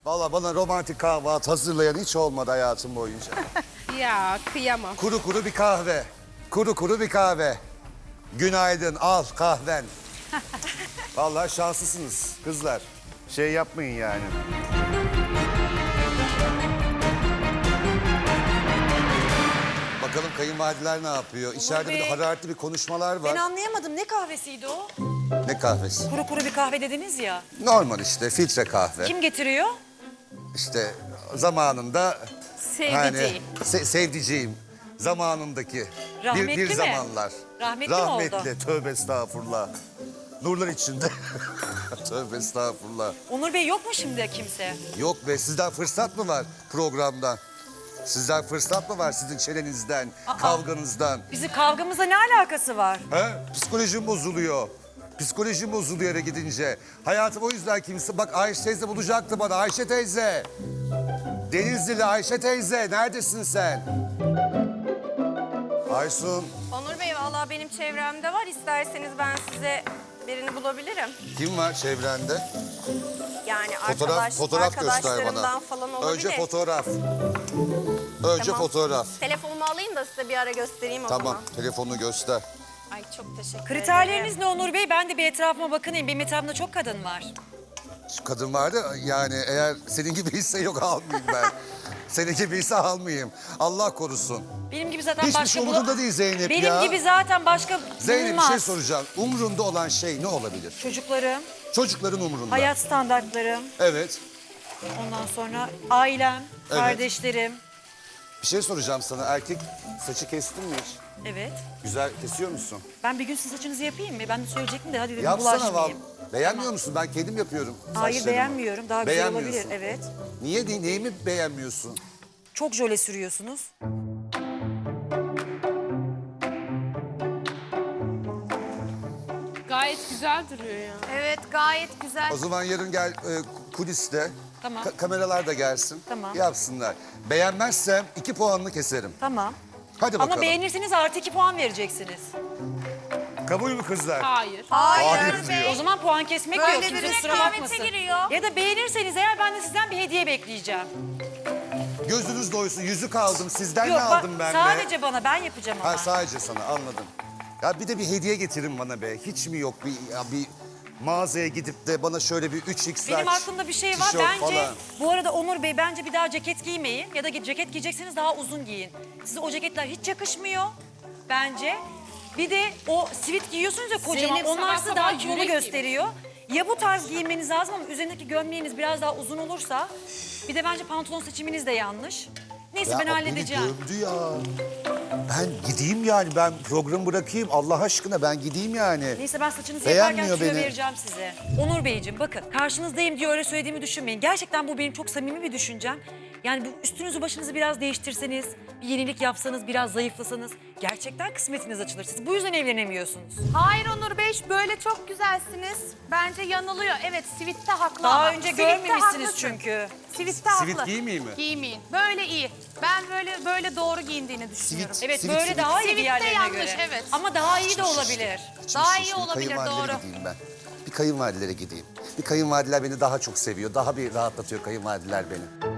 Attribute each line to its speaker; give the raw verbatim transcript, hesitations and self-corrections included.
Speaker 1: Valla bana romantik kahvaltı hazırlayan hiç olmadı hayatım boyunca.
Speaker 2: Ya kıyamam.
Speaker 1: Kuru kuru bir kahve. Kuru kuru bir kahve. Günaydın, al kahven. Vallahi şanslısınız kızlar. Şey yapmayın yani. Bakalım kayınvalideler ne yapıyor? İçeride bir
Speaker 3: Bey.
Speaker 1: hararetli bir konuşmalar var.
Speaker 3: Ben anlayamadım. Ne kahvesiydi o?
Speaker 1: Ne kahvesi?
Speaker 3: Kuru kuru bir kahve dediniz ya.
Speaker 1: Normal işte filtre kahve.
Speaker 3: Kim getiriyor?
Speaker 1: İşte zamanında
Speaker 2: Sevdiceğim.
Speaker 1: hani se- sevdiceğim zamanındaki
Speaker 3: Rahmetli
Speaker 1: bir, bir
Speaker 3: mi?
Speaker 1: zamanlar.
Speaker 3: Rahmetli mi oldu?
Speaker 1: Rahmetli, tövbe estağfurullah. Nurlar içinde. Tövbe estağfurullah.
Speaker 3: Onur Bey yok mu şimdi kimse?
Speaker 1: Yok be, sizden fırsat mı var programdan? Sizden fırsat mı var sizin çenenizden,
Speaker 3: Aa.
Speaker 1: kavganızdan?
Speaker 3: Bizim kavgamızla ne alakası var?
Speaker 1: He? Psikolojim bozuluyor. Psikolojim bozuluyor eve gidince. Hayatım o yüzden kimse... Bak Ayşe teyze bulacaktı bana. Ayşe teyze. Denizli'li Ayşe teyze. Neredesin sen? Aysun.
Speaker 4: Onur Bey vallahi benim çevremde var. İsterseniz ben size birini bulabilirim.
Speaker 1: Kim var çevrende?
Speaker 4: Yani
Speaker 1: Fotoğraf,
Speaker 4: arkadaş,
Speaker 1: fotoğraf göster
Speaker 4: arkadaşlarımdan
Speaker 1: bana.
Speaker 4: falan olabilir.
Speaker 1: Önce fotoğraf. Önce
Speaker 4: Tamam.
Speaker 1: fotoğraf.
Speaker 4: Telefonumu alayım da size bir ara göstereyim o
Speaker 1: Tamam,
Speaker 4: zaman.
Speaker 1: telefonunu göster.
Speaker 4: Ay çok teşekkür
Speaker 3: Kriterleriniz
Speaker 4: ederim.
Speaker 3: ne Onur Bey? Ben de bir etrafıma bakınayım. Benim etrafımda çok kadın var.
Speaker 1: Şu kadın vardı yani eğer senin gibiyse yok almayayım ben. Senin gibiyse almayayım. Allah korusun.
Speaker 3: Benim gibi zaten
Speaker 1: Hiçbir
Speaker 3: başka...
Speaker 1: şey
Speaker 3: bula-
Speaker 1: umurunda değil Zeynep
Speaker 3: Benim
Speaker 1: ya.
Speaker 3: gibi zaten başka
Speaker 1: Zeynep bir
Speaker 3: bulunmaz.
Speaker 1: şey soracağım. Umrunda olan şey ne olabilir?
Speaker 3: Çocuklarım,
Speaker 1: Çocukların umrunda.
Speaker 3: hayat standartlarım,
Speaker 1: Evet.
Speaker 3: ondan sonra ailem,
Speaker 1: Evet.
Speaker 3: kardeşlerim.
Speaker 1: Bir şey soracağım sana. Erkek saçı kestin mi hiç?
Speaker 3: Evet.
Speaker 1: Güzel kesiyor musun?
Speaker 3: Ben bir gün sizin saçınızı yapayım mı? Ben de söyleyecektim de hadi dedim
Speaker 1: Yapsana val.
Speaker 3: bulaşmayayım.
Speaker 1: Beğenmiyor musun? Ben kendim yapıyorum
Speaker 3: Hayır
Speaker 1: saçlarımı.
Speaker 3: beğenmiyorum. Daha güzel olabilir.
Speaker 1: Beğenmiyorsun.
Speaker 3: Evet.
Speaker 1: Niye? Ne- Neyimi beğenmiyorsun?
Speaker 3: Çok jöle sürüyorsunuz.
Speaker 2: Gayet güzel duruyor ya.
Speaker 4: Evet gayet güzel.
Speaker 1: O zaman yarın gel e, kuliste.
Speaker 3: Tamam.
Speaker 1: Ka- kameralar da gelsin.
Speaker 3: Tamam.
Speaker 1: Yapsınlar. Beğenmezsem iki puanını keserim.
Speaker 3: Tamam.
Speaker 1: Hadi bakalım.
Speaker 3: Ama beğenirseniz artı iki puan vereceksiniz.
Speaker 1: Kabul mü kızlar?
Speaker 2: Hayır.
Speaker 4: Hayır,
Speaker 1: Hayır
Speaker 4: Bey.
Speaker 1: diyor.
Speaker 3: O zaman puan kesmek
Speaker 4: Böyle
Speaker 3: yok.
Speaker 4: bir
Speaker 3: Kimse kusura
Speaker 4: rekabete
Speaker 3: bakmasın.
Speaker 4: giriyor.
Speaker 3: Ya da beğenirseniz eğer ben de sizden bir hediye bekleyeceğim.
Speaker 1: Gözünüz doysun. Yüzük aldım. Sizden
Speaker 3: Yok
Speaker 1: ne
Speaker 3: bak
Speaker 1: aldım ben be?
Speaker 3: sadece bana ben yapacağım ama.
Speaker 1: Ha sadece sana anladım. Ya bir de bir hediye getirin bana be. Hiç mi yok bir ya bir mağazaya gidip de bana şöyle bir üç x
Speaker 3: Benim aklımda bir şey var.
Speaker 1: tişört
Speaker 3: Bence
Speaker 1: falan.
Speaker 3: bu arada Onur Bey bence bir daha ceket giymeyin. Ya da ceket giyecekseniz daha uzun giyin. Size o ceketler hiç yakışmıyor bence. Bir de o sivit giyiyorsunuz ya kocaman.
Speaker 2: Zeynep,
Speaker 3: Onlar
Speaker 2: sabah
Speaker 3: sizi
Speaker 2: sabah
Speaker 3: daha
Speaker 2: yürek
Speaker 3: kilolu
Speaker 2: gibi.
Speaker 3: gösteriyor. Ya bu tarz giyinmeniz lazım ama üzerindeki gömleğiniz biraz daha uzun olursa. Bir de bence pantolon seçiminiz de yanlış. Neyse
Speaker 1: Ya
Speaker 3: ben
Speaker 1: beni
Speaker 3: halledeceğim.
Speaker 1: gömdü ya. Ben gideyim yani ben programı bırakayım Allah aşkına ben gideyim yani.
Speaker 3: Neyse ben saçınızı
Speaker 1: Beğenmiyor
Speaker 3: yaparken tüyo
Speaker 1: beni.
Speaker 3: vereceğim size. Onur Beyciğim bakın karşınızdayım diye öyle söylediğimi düşünmeyin. Gerçekten bu benim çok samimi bir düşüncem. Yani bu üstünüzü başınızı biraz değiştirseniz, bir yenilik yapsanız, biraz zayıflasanız gerçekten kısmetiniz açılır. Siz bu yüzden evlenemiyorsunuz.
Speaker 4: Hayır Onur Bey böyle çok güzelsiniz. Bence yanılıyor. Evet Sivit'te haklı
Speaker 3: Daha
Speaker 4: ama.
Speaker 3: önce
Speaker 4: Sivit'te
Speaker 3: görmemişsiniz
Speaker 4: haklısın.
Speaker 3: çünkü.
Speaker 4: Sivit'te
Speaker 1: Sivit
Speaker 4: haklı.
Speaker 1: giymeyeyim mi?
Speaker 4: Giymeyin. Böyle iyi. Ben böyle böyle doğru giyindiğini düşünüyorum.
Speaker 1: Sivit.
Speaker 3: Evet
Speaker 1: Sivit,
Speaker 3: böyle
Speaker 1: sivit.
Speaker 3: daha iyi
Speaker 4: Sivit de
Speaker 3: diğerlerine
Speaker 4: yanlış,
Speaker 3: göre.
Speaker 4: evet.
Speaker 3: Ama daha iyi de olabilir.
Speaker 1: İçim
Speaker 4: Daha
Speaker 1: şişti,
Speaker 4: iyi
Speaker 1: bir
Speaker 4: olabilir,
Speaker 1: kayınvalidelere
Speaker 4: doğru.
Speaker 1: gideyim ben. Bir kayınvalidelere gideyim. Bir kayınvalideler beni daha çok seviyor. Daha bir rahatlatıyor kayınvalideler beni.